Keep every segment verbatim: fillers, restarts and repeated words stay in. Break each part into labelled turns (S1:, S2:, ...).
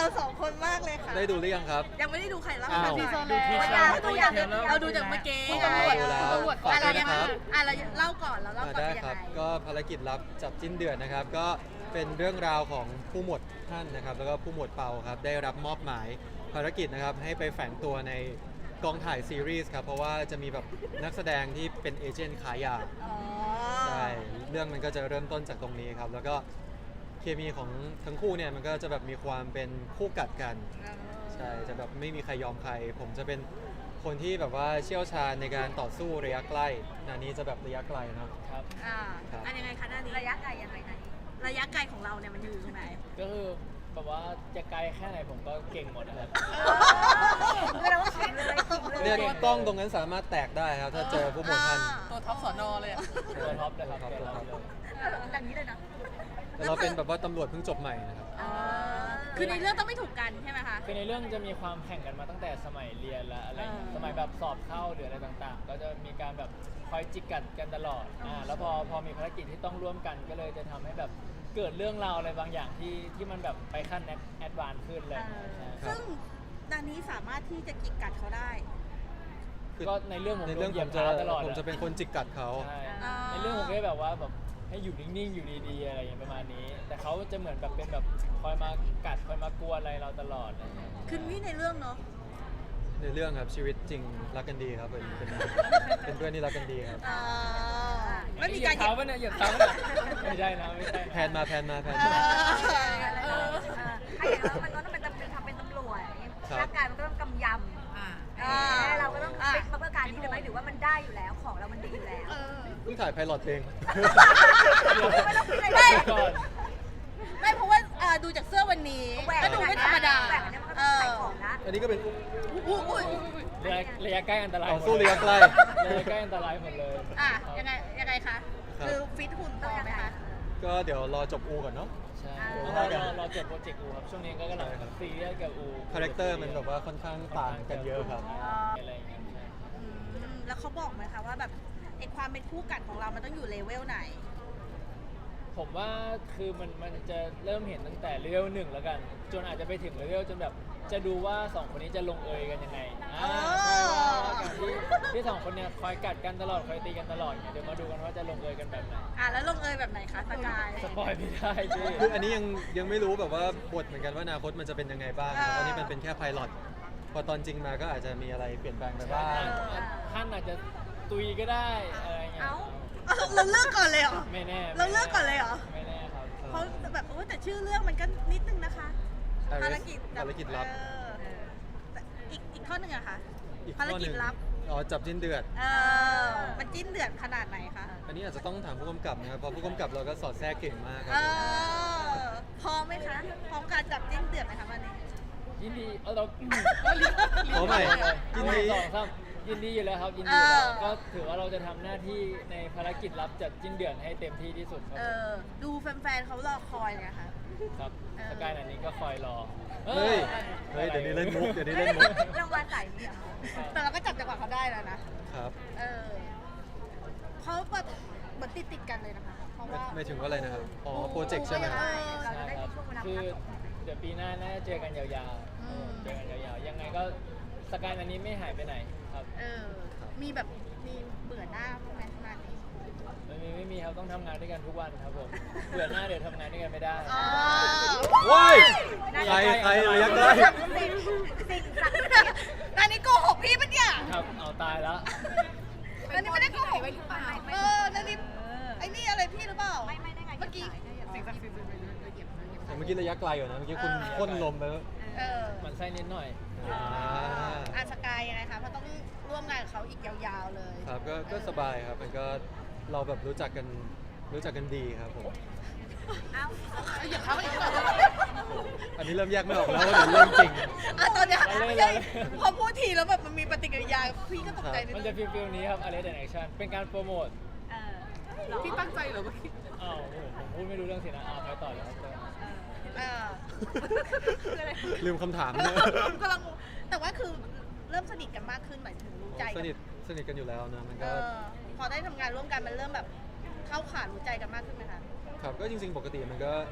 S1: สองคนมากเลยค่ะ
S2: ได้ดูหรือยังครับ
S1: ยังไม่ได้ดูใครเล่า
S2: อ้าว
S1: ที
S3: ดู
S1: เซอร์
S3: ที
S1: แล้ว
S3: เซอร์
S1: ตัวอย่าง
S3: ตัวอย่าง
S1: เราดูจากเมื่อกี้
S3: คุณตำรวจ
S2: ดูแล้ว
S3: คุณตำรวจ
S2: ฝาก
S1: อะไร
S2: ด้วย
S1: ยัง
S2: นะ
S1: ไง
S2: ครับ
S1: อ่ะเราเล่าก่อนเราเล่า
S2: อ่า
S1: ก่อน
S2: ได้
S1: เป็นยั
S2: ค
S1: ง
S2: รับ
S1: ไง
S2: ก็ภารกิจลับจับจิ้นเดือดนะครับ ก็เป็นเรื่องราวของผู้หมวดท่านนะครับ แล้วก็ผู้หมวดเปาครับ ได้รับมอบหมายภารกิจนะครับ ให้ไปแฝงตัวในกองถ่ายซีรีส์ครับ เพราะว่าจะมีแบบนักแสดงที่เป็นเอเจนต์ขายยา
S1: อ๋อ
S2: ใช่ เรื่องมันก็จะเริ่มต้นจากตรงนี้ครับ แล้วก็เคมีของทั้งคู่เนี่ยมันก็จะแบบมีความเป็นคู่กัดกัน ใช่ จะแบบไม่มีใครยอมใคร ผมจะเป็นคนที่แบบว่าเชี่ยวชาญในการต่อสู้ระยะใกล้นานี้จะแบบระยะไกลเนาะ
S3: ครับ
S1: อ่า
S2: ครับ
S1: อันยังไงคะหน้านี้ระยะไกลยังไงไหนระยะไกลของเราเนี่ยมันอยู่ตรงไหน
S3: ก็คือแบบว่าจะไกลแค่ไหนผมก็เก่งหมดนะครับ
S1: คือเราก็ขิงเลยขิงเลย
S2: เนี่ยกล้องตรงนั้นสามารถแตกได้ครับ ถ้าเจอผู้หมวดท่าน
S4: ตัวท็อปสอนอเลยอะ
S3: ตัวท็อปเลยครับ
S2: ตัว
S3: ตัว
S2: ท็
S3: ท็
S2: อ
S3: อ
S2: ป
S3: ปเลย
S1: อย่างนี้เลยนะ
S2: แต่เราเป็นแบบว่าตำรวจเพิ่งจบใหม่นะครับ
S1: อ๋อคือในเรื่องต้องไม่ถูกกันใช่ไหมคะ
S3: คือในเรื่องจะมีความแข่งกันมาตั้งแต่สมัยเรียนและอะไรอย่างเงี้ย
S1: อ่า
S3: สมัยแบบสอบเข้าหรืออะไรต่างๆ ก็จะมีการแบบคอยจิกกัดกันตลอดอ่าแล้วพอพอมีภารกิจที่ต้องร่วมกันก็เลยจะทำให้แบบเกิดเรื่องราวอะไรบางอย่างที่ที่มันแบบไปขั้นแอดวานซ์ขึ้นเลย
S2: ครับ
S1: ซึ่งดานนี้สามารถที่จะกิกกัดเขาได้
S3: ก็ในเรื่องผม
S2: ใน
S3: โด
S2: เรื่อง
S3: นเห
S2: ผ
S3: ยียบ
S2: มจะ
S3: เท้าตลอด
S2: ผมจะเป็นคนจิกกัดเขา
S3: ใช่
S1: อ่า
S3: ในเรื่องผมก็แบบว่าแบบให้อยู่นิ่งๆอยู่ดีๆอะไรอย่างเงี้ยประมาณนี้ แต่เขาจะเหมือนแบบเป็นแบบคอยมากัดคอยมากวนอะไรเราตลอดอะไรอย่างเงี้ย
S1: คือนี่ในเรื่องเนาะ
S2: ในเรื่องครับชีวิตจริงรักกันดีครับเป็นเป็นเป็นเพื่อนที่รักกันดีครับ
S1: อ่าไม่มีการ
S3: เหยียบเท้าปะเนี่ยเหยียบเท้าปะเนี่ยไม่ใช่นะไม่ใช่นะ
S2: แพนมาแพนมาแพน
S1: เอ
S2: มา
S1: อ
S5: เออไอ้อย่างเรามันก็ต้องเป็นตำเป็นทำเป็นตำรวจ
S2: ครับ
S5: ร่างกายมันก็ต้องกำย
S4: อ่า
S5: ำอ่าเราก็ต้องฟิตมาเพื่อการนี้เลยไหมหรือว่ามันได้อยู่แล้วของเรามันดีอยู่แล้ว
S1: เออ
S2: เพิ่งถ่ายไพลอตเพลง
S5: ไม่ต้องฟิตอะไร
S1: ไม่
S5: เลย
S3: ก่อน
S1: ไม่เพราะว่าอ่าดูจากเสื้อวันนี้
S5: แหวก
S1: ก็ดูไม่ธรรมดา
S5: แหวกอันนี้มันก็
S1: เอ
S5: ต้อง
S1: อ
S5: ขายของนะ
S2: อันนี้ก็เป็น
S1: อุ้ยอุ้ย
S3: ระยะระยะใกล้อันตราย
S2: ต่อสู้ระยะใกล้
S3: ระยะใกล้อันตรายหมดเลย
S1: อ่ะยังไงยังไงคะ
S2: ครับ
S1: คือฟิตหุ่นพอไหมคะ
S2: ก็เดี๋ยวรอจบอูก่อนเนาะ
S3: ใช่
S2: เดี๋ยว
S3: เรา
S2: ว่ากัน
S3: เราเราจบโปรเจกต์อูครับช่วงนี้ก็กำลัง
S2: ใช่ครับ
S3: ซีเรียสกับอู
S2: คาแรคเตอร์มันแบบว่าค่อนข้างต่างกันเยอะครับ
S3: อะไรอย่างเงี้ยใช่
S1: อืมแล้วเขาบอกไหมคะว่าแบบไอความเป็นคู่กัดของเรามันต้องอยู่เลเวลไหน
S3: ผมว่าคือมันมันจะเริ่มเห็นตั้งแต่เลเวลหนึ่งแล้วกัน จนอาจจะไปถึงเลเวลจนแบบจะดูว่าสองคนนี้จะลงเอยกันยังไงอ่าใช่ว่าว่าการที่ที่สองคนเนี่ยคอยกัดกันตลอดคอยตีกันตลอดเนี่ยเดี๋ยวมาดูกันว่าจะลงเอยกันแบบไหน
S1: อ่ะแล้วลงเอยแบบไหนคะสกาย
S3: สปอยไม่ได้พี่
S2: คืออันนี้ยังยังไม่รู้แบบว่าบทเหมือนกันว่าอนาคตมันจะเป็นยังไงบ้างนะตอนนี้มันเป็นแค่ไพลอตพอตอนจริงมาก็อาจจะมีอะไรเปลี่ยนแปลงไปบ้าง
S3: ท่านอาจจะตุยก็ได้อะไรเงี้ย
S5: เอ้า
S1: เอ้าเราเลือกก่อนเลยเหรอ
S3: ไม่แน่
S1: เราเลือกก่อนเลยเหรอ
S3: ไม่แน่ครับ
S1: เพราะแบบโอ้แต่ชื่อเรื่องมันก็นิดนึงนะคะ
S2: Iris
S1: ภารกิจ
S2: ภารกิจลับ
S1: เออแต่อีกอีกข้อหนึ่งอะคะ
S2: อีก
S1: ภาร
S2: ข้อห
S1: กิ
S2: นึ่
S1: จ
S2: ง
S1: ลับ
S2: อ๋อจับจิ้นเดือด
S1: เออมันจิ้นเดือดขนาดไหนคะ
S2: อันนี้อาจจะต้องถามผู้กำกับนะครับเพราะผู้กำกับเราก็สอดแทรกเก่งมากค
S1: เอ
S2: รับผม
S1: อพร้อมไหมคะพร้อมการจับจิ้นเดือดไหมคะวันนี้
S3: ยินดีเอาเรา
S2: ขอใหม่ยินดี
S3: สองสามยินดีอยู่แล้วครับยินดีอยู่แล้ว
S1: เออ
S3: ก็ถือว่าเราจะทำหน้าที่ในภารกิจรับจัดจิ้นเดือนให้เต็มที่ที่สุดครับ
S1: เออดูแฟนๆเขารอคอยไงคะ
S3: ครับ
S1: เออ
S3: สกายนันนี้ก็คอยรอ
S2: เฮ้ยเฮ้ยเดี๋ยวนี้เล่นมุกเดี๋ยวนี้เล่นมุก
S5: รางวัลสายนี้เหรอ
S1: แต่เราก็จับจังหวะเขาได้แล้วนะครับ เออเขาแบบเหมือนติดติดๆกันเลยนะคะ เพราะ
S2: ไม่
S1: ว่า
S2: ไม่ถึงว่าอะไรนะครับอ๋อโปรเจกต์ใช่ไหมครับ
S5: เราจะได้มีช่วงเวลา
S3: คื
S5: พั
S3: อก
S5: ของมัน
S3: เดี๋ยวปีหน้าน่าจะเจอกันยาวๆเจอกันยาวๆยังไงก็สกายนันนี้ไม่หายไปไหนครับ
S1: เออ มีแบบมีเบื่อหน้าพวกนั้นมานี้
S3: ไม่มีไม่มีครับต้องทำงานด้วยกันทุกวันครับผมเบื่อหน้าเดี๋ยวทำงานด้วยกันไม่ได้
S1: อ๋อ
S2: ว้ายใครใครระยะใกล้
S5: สิ่งสิ่งศักดิ์สิทธิ์
S1: นันนี่โกหกพี่ปะเนี่ย
S3: ครับเอาตายแล้ว
S1: นันนี่ไม่ได้โกหกเออนันนี่ไอ้นี่อะไรพี่หรือเปล่า
S5: ไม่ไม่ได้ไง
S1: เมื่อกี้
S4: สิ่งศักดิ์สิทธิ์ละเอียดละเอียด
S2: แต่เมื่อกี้ระยะไกลอยู่นะเมื่อกี้คุณพ่นลมไปแล้ว
S1: เออ
S3: มันไส้นิดหน่อย
S2: อ่า
S1: อาสกายยังไงคะเพราะต้องร่วมงานกับเขาอีกยาวๆเลย
S2: ครับก็ก็สบายครับมันก็เราแบบรู้จักกันรู้จักกันดีครับผม
S5: เอ้า
S1: อย่าเขาอีกเลย
S2: อันนี้เริ่มแยกไม่ออกแล้วว่าเป็นเรื่องจริง
S1: อ่ะตอนเนี้ย
S3: เราเล่น
S1: ใช่
S3: เราเล่น
S1: พอพูดทีแล้วแบบมันมีปฏิกิริยาพี่ก็ตกใจนิด
S3: มัน
S1: นึ
S3: จะ
S1: ง
S3: ฟิลฟิลนี้ครับ Arrest and Action เป็นการโปรโมท
S5: เออเหรอ
S4: พี่ตั้งใจเหรอเมื่อกี้
S3: อ้าวโอ้โหผมพูดไม่รู้เรื่องสินะอ่าไปต่อเลยครับ
S1: เออ
S5: คืออะไร
S2: ลืมคำถามเนี่ย
S1: กำลังงงแต่ว่าคือเริ่มสนิทกันมากขึ้นหมายถึงรู้ใจ
S2: ส
S1: กัน
S2: นิทสนิทกันอยู่แล้วนะมัน
S1: เอ
S2: ก็
S1: อพอได้ทำงานร่วมกันมันเริ่มแบบเข้าขารู้ใจกันมากขึ้นไหมคะ
S2: ครับก็จริง ๆ ปกติมันก็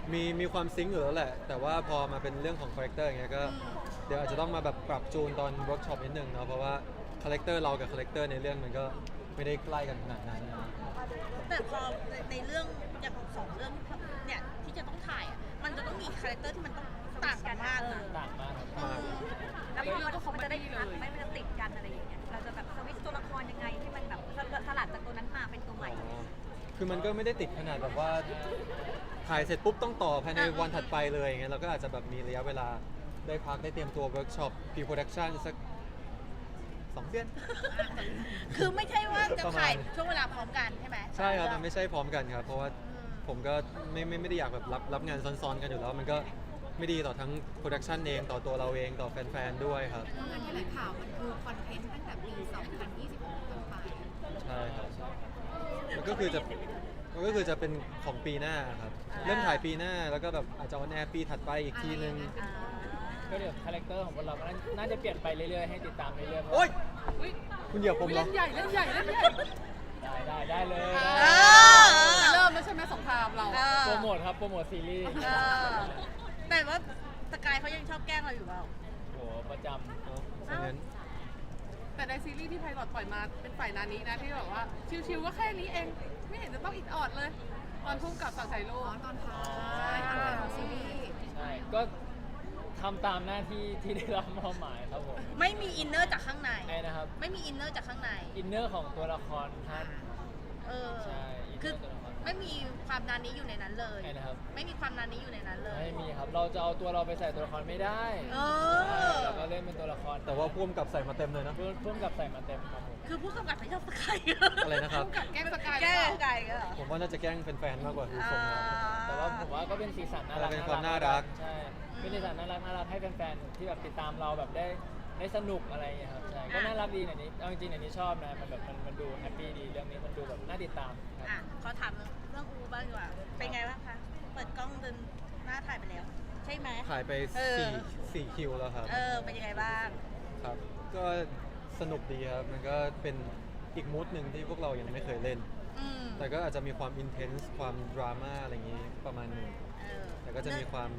S2: มีมีความซิงค์อยู่แล้วแหละ แต่ว่าพอมาเป็นเรื่องของคาแรคเตอร์อย่างเงี้ยก็เดี๋ยวอาจจะต้องมาแบบปรับจูนตอนเวิร์กช็อปนิดนึงเนาะเพราะว่าคาแรคเตอร์เรากับคาแรคเตอร์ในเรื่องมันก็ไม่ได้ใกล้กันขนาดนั้นนะ
S1: แต่พอในในเรื่องอย่างสองเรื่องเนี่ยที่จะต้องถ่ายอะมันจะต้องมีคาแรคเตอร์ที่มันต้องต่างกันมากนะ
S3: ต่างมากครับ
S2: มาก
S5: แล้วพอมันมันจะได้พักไม่มันจะติดกันอะไรอย่างเงี้ยเราจะแบบสวิตช์ตัวละครยังไงให้มันแบบสลัดจากตัวนั้นมาเป็นตัวใหม่
S2: อ๋อคือมันก็ไม่ได้ติดขนาดแบบว่าถ่ายเสร็จปุ๊บต้องต่อภายในวันถัดไปเลยอย่างเงี้ยเราก็อาจจะแบบมีระยะเวลาได้พักได้เตรียมตัวเวิร์กช็อปพรีโปรดักชันสักสองเดือน
S1: คือไม่ใช่ว่าจะ
S2: ประมาณ
S1: ถ่ายช่วงเวลาพร้อมกันใช่ไหม
S2: ใช่ครับมันไม่ใช่พร้อมกันครับ เพราะว่าผมก็ไม่ไม่ไม่ได้อยากแบบรับรับงานซ้อนๆกันอยู่แล้ว มันก็ไม่ดีต่อทั้งโปรดักชันเองต่อตัวเราเองต่อแฟนๆด้วยครับ
S4: งานที่ไหนข่าวมันคือคอนเทนต์ตั้งแต่ปี สองพันยี่สิบหก ต้นไป
S2: ใช่ครับมันก็คือจะมันก็คือจะเป็นของปีหน้าครับเริ่มถ่ายปีหน้าแล้วก็แบบอาจจะออนแอร์ปีถัดไปอีกทีนึง
S1: อ่า
S3: ก็เดี๋ยวคาแรคเตอร์ของพวกเราก็น่าจะเปลี่ยนไปเรื่อยๆให้ติดตามเรื่อยๆเพราะ
S2: โอ๊ย
S4: อุ๊ย
S2: คุณเหยียบผมเหร
S4: เล่
S2: อน
S4: ใหญ่เล่นใหญ่เล่นใหญ่
S3: ได้ได้ได้เลย
S1: เออ
S4: เริ่มแล้วใช่ไหมสงครามเรา
S1: เออ
S3: โปรโมทครับโปรโมทซีรีส์
S1: เออแต่ว่าสกายเขายังชอบแกล้งเราอยู่เปล่า
S3: โหประจำ
S2: เอ้าฉะนั้น
S4: แต่ในซีรีส์ที่ไพลอตปล่อยมาเป็นฝ่ายนานี้นะที่แบบว่าชิวๆก็แค่นี้เอง ไม่เห็นจะต้องอิดออดเลย ตอนพุ่มกับสั่งใส่โลตอนท้ายตอนท้ายของซีรีส์
S3: ใช่ก็ทำตามหน้าที่ที่ได้รับมอบหมายครับผม
S1: ไม่มีอินเนอร์จากข้างใน
S3: ใช่นะครับ
S1: ไม่มีอินเนอร์จากข้างใน
S3: อินเนอร์ของตัวละครท่าน
S1: เออ
S3: ใช่อินเน
S1: คือ
S3: อร์ตัวละคร
S1: ไม่มีความนานนี้อยู่ในนั้นเลย
S3: ใช่นะครับ
S1: ไม่มีความนานนี้อยู่ในนั้นเลย
S3: ไม่มีครับ เราจะเอาตัวเราไปใส่ตัวละครไม่ได้
S1: เออ
S3: เราก็เล่นเป็นตัวละคร
S2: แต่ว่าพ่วงกับใส่มาเต็มเลยนะ
S3: เพิ่มเพิ่มกับใส่มาเต็มครับผม
S1: คือผู้กำกับไม่ชอบสกาย
S2: อะไรนะครับ
S4: พุ่มกับแกล้งสกายหรือ
S1: แก้
S4: เปล่า
S1: สกายก็เหรอ
S2: ผมว่าน่าจะแกล้งแฟนๆมากกว่าคือทรงนะ
S3: แต่ว่าผมว่าก็เป็นสีสันน่ารัก
S2: เป็นความน่ารัก
S3: ใช่ เป็นสีสันน่ารักน่ารักให้แฟนๆที่แบบติดตามเราแบบได้ได้สนุกอะไรอย่างเงี้ยครับ ใช่ ก็น่ารักดีในนี้เอาจริงๆในนี้ชอบนะ มันแบบมันมันดูแฮปปี้ดี เรื่องนี้มันดูแบบน่าติดตามครับ
S1: อ่ะขอถามเรื่องอูบ้างดีกว่า เป็นไงบ้างคะ เปิดกล้องเดินหน้าถ่ายไปแล้ว ใช่ไหม
S2: ถ่ายไป
S1: เออ
S2: สี่สี่คิวแล้วครับ
S1: เออ เป็นยังไงบ้าง
S2: ครับ ก็สนุกดีครับ มันก็เป็นอีกมูดหนึ่งที่พวกเรายังไม่เคยเล่น
S1: อืม
S2: แต่ก็อาจจะมีความอินเทนส์ความดราม่าอะไรอย่างนี้ประมาณหนึง
S1: เออ
S2: แต่ก็จะมีความ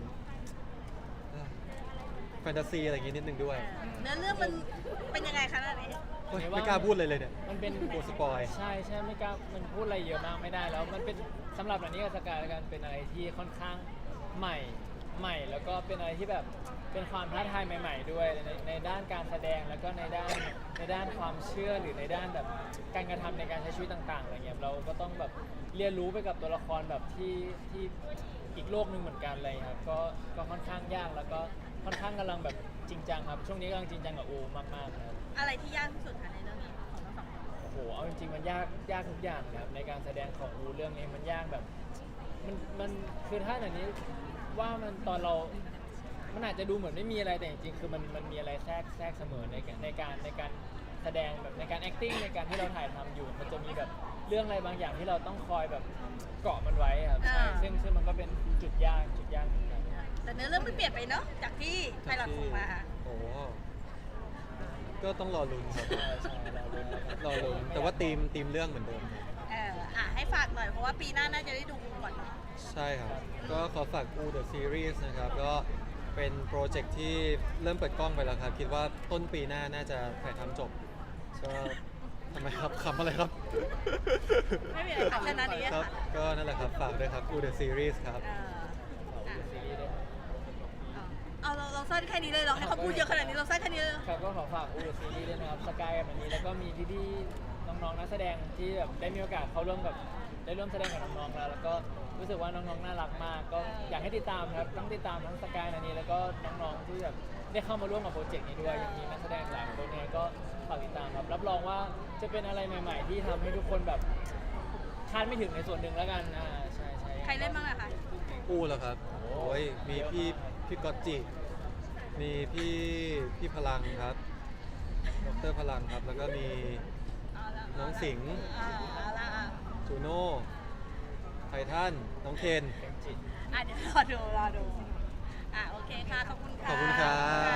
S2: แฟนตาซีอะไรอย่างนี้นิดนึงด้วย
S1: เนื้อเรื่องมันเป็นยังไงคะอันนี้
S2: เฮ้ยไม่กล้าพูดเลยเลยเนี่ย
S3: มันเป็น
S2: กลัวสปอย
S3: ใช่ใช่ไม่กล้ามันพูดอะไรเยอะมากไม่ได้แล้ว มันเป็นสำหรับอันนี้กับสกายแล้วกันเป็นอะไรที่ค่อนข้างใหม่ใหม่ แล้วก็เป็นอะไรที่แบบเป็นความท้าทายใหม่ ๆ ด้วยในในด้านการแสดงแล้วก็ในด้านในด้านความเชื่อหรือในด้านแบบการกระทำในการใช้ชีวิตต่างๆอะไรเงี้ยเราก็ต้องแบบเรียนรู้ไปกับตัวละครแบบที่ที่อีกโลกหนึ่งเหมือนกันอะไรเลยครับก็ก็ค่อนข้างยากแล้วก็ค่อนข้างกำลังแบบจริงจังครับช่วงนี้กำลังจริงจังกับอูมากๆครับ
S1: อะไรที่ยากที่สุดคะในเรื่องนี้ของทั้งสองคน
S3: โอ้โห เอาจริงๆ มันยาก ยากทุกอย่างนะครับ ในการแสดงของอูเรื่องนี้มันยากแบบ มัน มัน คือถ้าอย่างนี้ว่ามันตอนเรา มันอาจจะดูเหมือนไม่มีอะไร แต่จริงๆ คือมัน มันมีอะไรแทรก แทรกเสมอในการในการ ในการแสดงแบบในการ acting ในการที่เราถ่ายทำอยู่ มันจะมีแบบเรื่องอะไรบางอย่างที่เราต้องคอยแบบเกาะมันไว้ครับ ใช่ ซึ่งซึ่งมันก็เป็นจุดยาก จุดยากเหมือนกัน
S1: แต่เนื้อเรื่องไม่เปลี่ยนไปเนาะ จากที่ไพลอตส่งมา
S2: โอ้โหก็ต้องรอลุ้นครับ
S3: ใช่ใช่เราลุ้นแล้วครับ
S2: รอลุ้นแต่ว่าธีมธีมเรื่องเหมือนเดิมครับ
S1: เออ อ่ะ ให้ฝากหน่อย เพราะว่าปีหน้าน่าจะได้ดูก่อนเนาะ
S2: ใช่ครับ ก็ขอฝาก U The Series นะครับ ก็เป็นโปรเจกต์ที่เริ่มเปิดกล้องไปแล้วครับ คิดว่าต้นปีหน้าน่าจะถ่ายทำจบ ก็ทำไมครับขำอะไรครับ
S1: ไม่มีอะไรค่ะแค่นั้นเอง
S2: ครับ
S1: ค่ะ
S2: ก็นั่นแหละครับ ฝากด้วยครับ U The Series ครับ
S1: เออ
S3: ขอบคุณซีรีส์ด้วย
S1: เอาเราเราสั้นแค่นี้เลยเหรอให้เขาพูดเยอะขนาดนี้เราสั้นแค่นี้เลยเหรอ
S3: ครับก็ขอฝากอูดซีรีส์ด้วยนะครับสกายกับมันนี้แล้วก็มีพี่ๆน้องๆนักแสดงที่แบบได้มีโอกาสเข้าร่วมกับได้ร่วมแสดงกับน้องๆแล้วแล้วก็รู้สึกว่าน้องๆน่ารักมาก ก็อยากให้ติดตามครับต้องติดตามทั้งสกายนันนี้แล้วก็น้องๆที่แบบได้เข้ามาร่วมกับโปรเจกต์นี้ด้วยยังมีนักแสดงหลายคนเนี่ยก็ฝากติดตามครับรับรองว่าจะเป็นอะไรใหม่ ๆ ที่ทำให้ทุกคนแบบคาดไม่ถึงในส่วนหนึ่งแล้วกันอ่าใช่ใช่
S1: ใครเล่นบ้างอะคะ
S2: อูเหรอครับ โอ้ย มีพี่พี่ก๊อตจิ มีพี่พี่พลังครับดรพลังครับ แล้วก็มี
S1: เอาละ
S2: น้องสิงห์
S1: อ่าเอาละอ่ะ
S2: จูโน่ไททันน้องเคน
S3: เป็นจิต
S1: อ่ะเดี๋ยวรอดูรอดู อ่ะโอเคค่ะ ขอบคุณค่ะ
S2: ขอบคุณครับ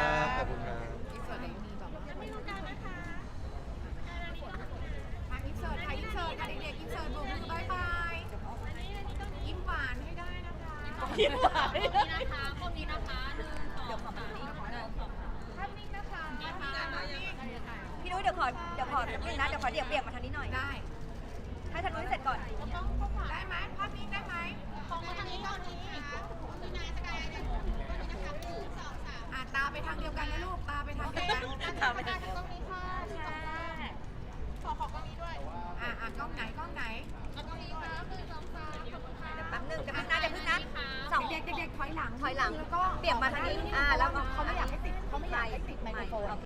S2: ขอบคุณครับ
S4: อินเสิร์ตมีแบบ
S1: จะไม่รู้กันนะคะ
S6: ทางอินเสิร์ตค่ะอินเสิร์ตค่ะเด็กๆอินเสิร์ตโบกมือบายบายยิ้มหวานให้ได้นะคะ
S1: คิดไว้
S5: เดี๋ยวขอแบบนี้ขอหนึ่งพี่นุ้ยเดี๋ยวขอเดี๋ยวขอนิดนึงนะเดี๋ยวขอเดี๋ยวเบี่ยงมาทางนี้หน่อยได้ให้ทางนุ้ยเสร็จก่อนได้ไหมภาพนี้ได้ไหมของมาทางนี้ตอนนี้อ่ะตาไปทางเดียวกันนะลูกตาไปทางเดียวกัน
S1: ถามไปทางนี้
S5: อ่ะอ่ะกล้องไหนกล้องไหนกล้องนี้ครับหนึ่งสองสามเดี๋ยวแป๊บนึงเดี๋ยวพึ่งนะเดี๋ยวพึ่งนะสองเด็กเด็กๆถอยหลังถอยหลังแล้วก็เบี่ยงมาทางนี้อ่าแล้วเขาไม่อยากให้ติดเขาไม่อยากให้ติดไมโครโฟน